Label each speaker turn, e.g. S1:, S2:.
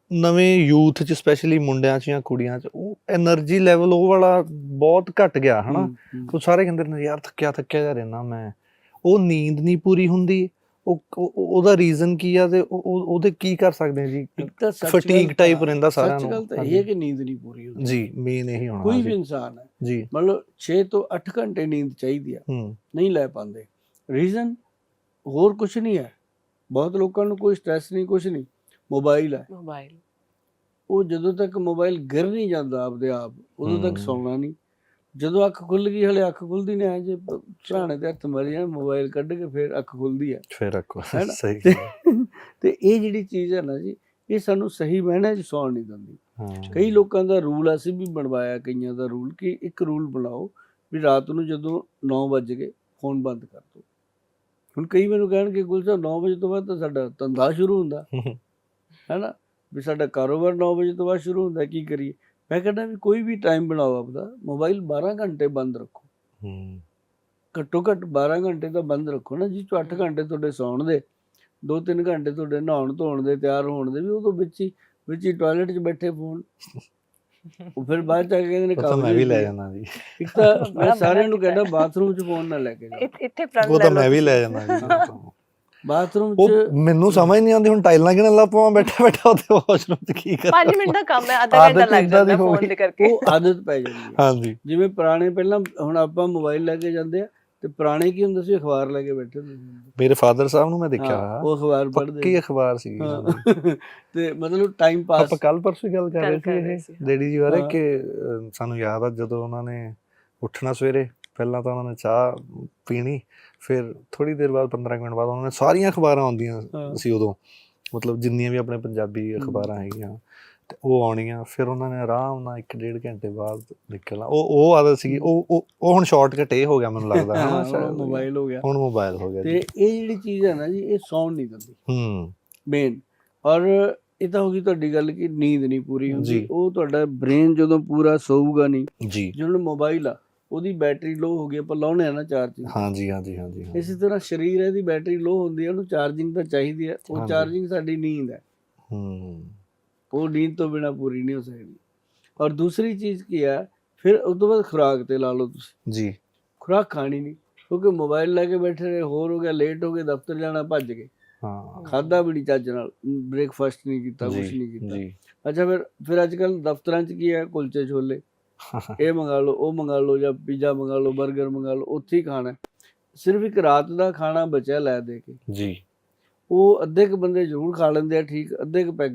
S1: ਨਵੇਂ ਯੂਥ 'ਚ ਸਪੈਸ਼ਲੀ ਮੁੰਡਿਆਂ 'ਚ ਜਾਂ ਕੁੜੀਆਂ 'ਚ ਉਹ ਐਨਰਜੀ ਲੈਵਲ ਉਹ ਵਾਲਾ ਬਹੁਤ ਘੱਟ ਗਿਆ ਹਨਾ। ਉਹ ਸਾਰੇ ਕਹਿੰਦੇ ਨੇ ਯਾਰ ਥੱਕਿਆ ਜਿਹਾ ਰਹਿਣਾ ਮੈਂ। ਉਹ ਨੀਂਦ ਨਹੀਂ ਪੂਰੀ ਹੁੰਦੀ। ਉਹਦਾ ਰੀਜ਼ਨ ਕੀ ਆ ਤੇ ਉਹਦੇ ਕੀ ਕਰ ਸਕਦੇ ਆ ਜੀ?
S2: ਇੱਕ ਤਾਂ
S1: ਫਟੀਗ ਟਾਈਪ ਰਹਿੰਦਾ ਸਾਰਿਆਂ ਨੂੰ।
S2: ਸੱਚ ਗੱਲ ਤਾਂ ਇਹ ਹੈ ਕਿ ਨੀਂਦ ਨਹੀਂ ਪੂਰੀ ਹੁੰਦੀ
S1: ਜੀ, ਮੇਨ ਇਹੀ ਹੋਣਾ।
S2: ਕੋਈ ਵੀ ਇਨਸਾਨ ਹੈ
S1: ਜੀ,
S2: ਮਤਲਬ 6 ਤੋਂ 8 ਘੰਟੇ ਨੀਂਦ ਚਾਹੀਦੀ ਆ, ਨਹੀਂ ਲੈ ਪਾਉਂਦੇ। ਰੀਜ਼ਨ ਹੋਰ ਕੁਛ ਨਹੀਂ ਹੈ। ਬਹੁਤ ਲੋਕਾਂ ਨੂੰ ਕੋਈ ਸਟ੍ਰੈਸ ਨਹੀਂ, ਕੁਛ ਨਹੀਂ, ਮੋਬਾਈਲ ਹੈ। ਉਹ ਜਦੋਂ ਤੱਕ ਮੋਬਾਈਲ ਗਿਰ ਨਹੀਂ ਜਾਂਦਾ ਆਪਦੇ ਆਪ ਉਦੋਂ ਤੱਕ ਸੌਣਾ ਨਹੀਂ। ਜਦੋਂ ਅੱਖ ਖੁੱਲ ਗਈ, ਹਲੇ ਅੱਖ ਖੁੱਲਦੀ ਨਹੀਂ, ਜੇ ਸਰਾਣੇ ਤੇ ਹੱਥ ਮਾਰੀ ਜਾਣ, ਮੋਬਾਈਲ ਕੱਢ ਕੇ ਫਿਰ ਅੱਖ ਖੁੱਲਦੀ ਹੈ,
S1: ਫਿਰ ਅੱਖ ਸਹੀ।
S2: ਤੇ ਇਹ ਜਿਹੜੀ ਚੀਜ਼ ਹੈ ਨਾ ਜੀ, ਇਹ ਸਾਨੂੰ ਸਹੀ ਮਾਇਨੇ 'ਚ ਸੌਣ ਨਹੀਂ ਦਿੰਦੀ। ਕਈ ਲੋਕਾਂ ਦਾ ਰੂਲ ਅਸੀਂ ਵੀ ਬਣਵਾਇਆ, ਕਈਆਂ ਦਾ ਰੂਲ ਕਿ ਇੱਕ ਰੂਲ ਬਣਾਓ ਵੀ ਰਾਤ ਨੂੰ ਜਦੋਂ 9 ਵੱਜ ਗਏ ਫੋਨ ਬੰਦ ਕਰ ਦਿਓ। ਹੁਣ ਕਈ ਮੈਨੂੰ ਕਹਿਣਗੇ ਗੁਲਸ਼ਨ 9 ਵਜੇ ਤੋਂ ਬਾਅਦ ਤਾਂ ਸਾਡਾ ਧੰਦਾ ਸ਼ੁਰੂ ਹੁੰਦਾ ਹੈ ਨਾ, ਵੀ ਸਾਡਾ ਕਾਰੋਬਾਰ 9 ਵਜੇ ਤੋਂ ਬਾਅਦ ਸ਼ੁਰੂ ਹੁੰਦਾ, ਕੀ ਕਰੀਏ? ਮੈਂ ਕਹਿੰਦਾ ਵੀ ਕੋਈ ਵੀ ਟਾਈਮ ਬਣਾਓ ਆਪਦਾ, ਮੋਬਾਈਲ 12 ਘੰਟੇ ਬੰਦ ਰੱਖੋ, ਘੱਟੋ ਘੱਟ 12 ਘੰਟੇ ਤਾਂ ਬੰਦ ਰੱਖੋ ਨਾ, ਜਿਸ 'ਚੋਂ 8 ਘੰਟੇ ਤੁਹਾਡੇ ਸੌਣ ਦੇ, 2-3 ਘੰਟੇ ਤੁਹਾਡੇ ਨਹਾਉਣ ਧੋਣ ਦੇ, ਤਿਆਰ ਹੋਣ ਦੇ, ਵੀ ਉਦੋਂ ਵਿੱਚ ਹੀ ਟਾਇਲਟ 'ਚ ਬੈਠੇ ਫੋਨ। ਉਹ ਫਿਰ ਬਾਅਦ 'ਚ ਆ ਕੇ ਕਹਿੰਦੇ ਨੇ
S1: ਮੈਂ ਵੀ ਲੈ ਜਾਣਾ ਜੀ।
S2: ਇੱਕ ਤਾਂ ਮੈਂ ਸਾਰਿਆਂ ਨੂੰ ਕਹਿੰਦਾ ਬਾਥਰੂਮ 'ਚ ਫੋਨ ਨਾ ਲੈ ਕੇ ਜਾਓ।
S1: ਉਹ ਤਾਂ ਮੈਂ ਵੀ ਲੈ ਜਾਣਾ ਜੀ।
S2: ਬਾਥਰੂਮ 'ਚ
S1: ਮੈਨੂੰ ਸਮਝ ਨਹੀਂ ਆਉਂਦੀ ਹੁਣ ਟਾਈਲਾਂ ਕਿਹਨਾਂ ਲਾ ਪਾਵਾਂ ਬੈਠਾ ਉੱਥੇ ਵਾਸ਼ਰੂਮ 'ਚ ਕੀ ਕਰਾਂ।
S3: 5 ਮਿੰਟ ਦਾ ਕੰਮ ਹੈ, ਅੱਧਾ ਘੰਟਾ ਲੱਗ ਜਾਂਦਾ ਫੋਨ ਦੇ ਕਰਕੇ।
S2: ਉਹ ਆਦਤ ਪੈ ਜਾਂਦੀ ਹੈ।
S1: ਹਾਂਜੀ,
S2: ਜਿਵੇਂ ਪੁਰਾਣੇ ਪਹਿਲਾਂ ਹੁਣ ਆਪਾਂ ਮੋਬਾਈਲ ਲੈ ਕੇ ਜਾਂਦੇ ਆ, ਤੇ ਪੁਰਾਣੇ ਕੀ ਹੁੰਦਾ ਸੀ, ਅਖਬਾਰ ਲੈ ਕੇ ਬੈਠੇ ਹੁੰਦੇ ਸੀ।
S1: ਮੇਰੇ ਫਾਦਰ ਸਾਹਿਬ ਨੂੰ ਮੈਂ ਦੇਖਿਆ
S2: ਉਹ ਅਖਬਾਰ ਪੜ੍ਹਦੇ,
S1: ਪੱਕੀ ਅਖਬਾਰ ਸੀ।
S2: ਤੇ ਮਤਲਬ ਟਾਈਮ ਪਾਸ।
S1: ਆਪਾਂ ਕੱਲ ਪਰਸੋਂ ਗੱਲ ਕਰ ਰਹੇ ਸੀ ਡੈਡੀ ਜੀ ਬਾਰੇ ਕਿ ਸਾਨੂੰ ਯਾਦ ਆ ਜਦੋਂ ਉਹਨਾਂ ਨੇ ਉੱਠਣਾ ਸਵੇਰੇ, ਪਹਿਲਾਂ ਤਾਂ ਉਹਨਾਂ ਨੇ ਚਾਹ ਪੀਣੀ, ਫਿਰ ਥੋੜ੍ਹੀ ਦੇਰ ਬਾਅਦ 15 ਮਿੰਟ ਬਾਅਦ ਉਹਨਾਂ ਨੇ ਸਾਰੀਆਂ ਅਖਬਾਰਾਂ ਆਉਂਦੀਆਂ ਸੀ ਉਦੋਂ, ਮਤਲਬ ਜਿੰਨੀਆਂ ਵੀ ਆਪਣੇ ਪੰਜਾਬੀ ਅਖਬਾਰਾਂ ਹੈਗੀਆਂ ਤੇ ਉਹ ਆਉਣੀਆਂ, ਫਿਰ ਉਹਨਾਂ ਨੇ ਆਰਾਮ ਨਾਲ 1-1.5 ਘੰਟੇ ਬਾਅਦ ਨਿਕਲਣਾ। ਉਹ ਆਦਤ ਸੀਗੀ। ਉਹ ਹੁਣ ਸ਼ਾਰਟਕਟ ਇਹ ਹੋ ਗਿਆ ਮੈਨੂੰ ਲੱਗਦਾ,
S2: ਮੋਬਾਈਲ ਹੋ ਗਿਆ, ਹੁਣ
S1: ਮੋਬਾਈਲ ਹੋ ਗਿਆ।
S2: ਤੇ ਇਹ ਜਿਹੜੀ ਚੀਜ਼ ਹੈ ਨਾ ਜੀ, ਇਹ ਸੌਣ ਨਹੀਂ ਦਿੰਦੀ ਮੇਨ। ਔਰ ਇਹ ਤਾਂ ਹੋ ਗਈ ਤੁਹਾਡੀ ਗੱਲ ਕਿ ਨੀਂਦ ਨਹੀਂ ਪੂਰੀ ਹੁੰਦੀ। ਉਹ ਤੁਹਾਡਾ ਬ੍ਰੇਨ ਜਦੋਂ ਪੂਰਾ ਸੌਊਗਾ ਨਹੀਂ ਜੀ, ਜਿਵੇਂ ਮੋਬਾਈਲ ਆ ਉਹਦੀ ਬੈਟਰੀ ਲੋ ਹੋ ਗਈ, ਆਪਾਂ ਲਾਉਣੇ ਆ ਨਾ ਚਾਰਜਿੰਗ। ਹਾਂਜੀ। ਇਸੇ ਤਰ੍ਹਾਂ ਸਰੀਰ ਇਹਦੀ ਬੈਟਰੀ ਲੋ ਹੁੰਦੀ ਹੈ, ਉਹਨੂੰ ਚਾਰਜਿੰਗ ਤਾਂ ਚਾਹੀਦੀ ਹੈ। ਉਹ ਚਾਰਜਿੰਗ ਸਾਡੀ ਨੀਂਦ ਹੈ। ਉਹ ਨੀਂਦ ਤੋਂ ਬਿਨਾਂ ਪੂਰੀ ਨਹੀਂ ਹੋ ਸਕਦੀ। ਔਰ ਦੂਸਰੀ ਚੀਜ਼ ਕੀ ਹੈ, ਫਿਰ ਉਸ ਤੋਂ ਬਾਅਦ ਖੁਰਾਕ ਤੇ ਲਾ ਲਓ ਤੁਸੀਂ ਜੀ। ਖੁਰਾਕ ਖਾਣੀ ਨਹੀਂ, ਕਿਉਂਕਿ ਮੋਬਾਈਲ ਲੈ ਕੇ ਬੈਠੇ ਰਹੇ, ਹੋਰ ਹੋ ਗਿਆ, ਲੇਟ ਹੋ ਗਏ, ਦਫ਼ਤਰ ਜਾਣਾ, ਭੱਜ ਗਏ, ਖਾਧਾ ਵੀ ਨਹੀਂ ਚੱਜ ਨਾਲ, ਬ੍ਰੇਕਫਾਸਟ ਨਹੀਂ ਕੀਤਾ, ਕੁਛ ਨਹੀਂ ਕੀਤਾ। ਅੱਛਾ, ਫਿਰ ਅੱਜ ਕੱਲ੍ਹ ਦਫ਼ਤਰਾਂ 'ਚ ਕੀ ਹੈ, ਕੁਲਚੇ ਛੋਲੇ, ਇਹ ਮੰਗਾ ਲਓ, ਉਹ ਮੰਗਾ ਲਓ, ਜਾਂ ਪੀਜ਼ਾ ਮੰਗਾ ਲਓ, ਬਰਗਰ ਮੰਗਾ ਲਓ, ਉੱਥੇ ਹੀ ਖਾਣਾ। ਸਿਰਫ ਇੱਕ ਰਾਤ ਦਾ ਖਾਣਾ ਬਚਿਆ ਲੈ ਦੇ ਕੇ ਜੀ, ਉਹ ਅੱਧੇ ਕੁ ਬੰਦੇ ਜ਼ਰੂਰ ਖਾ ਲੈਂਦੇ ਆ, ਠੀਕ, ਅੱਧੇ ਕੁ ਪੈਗ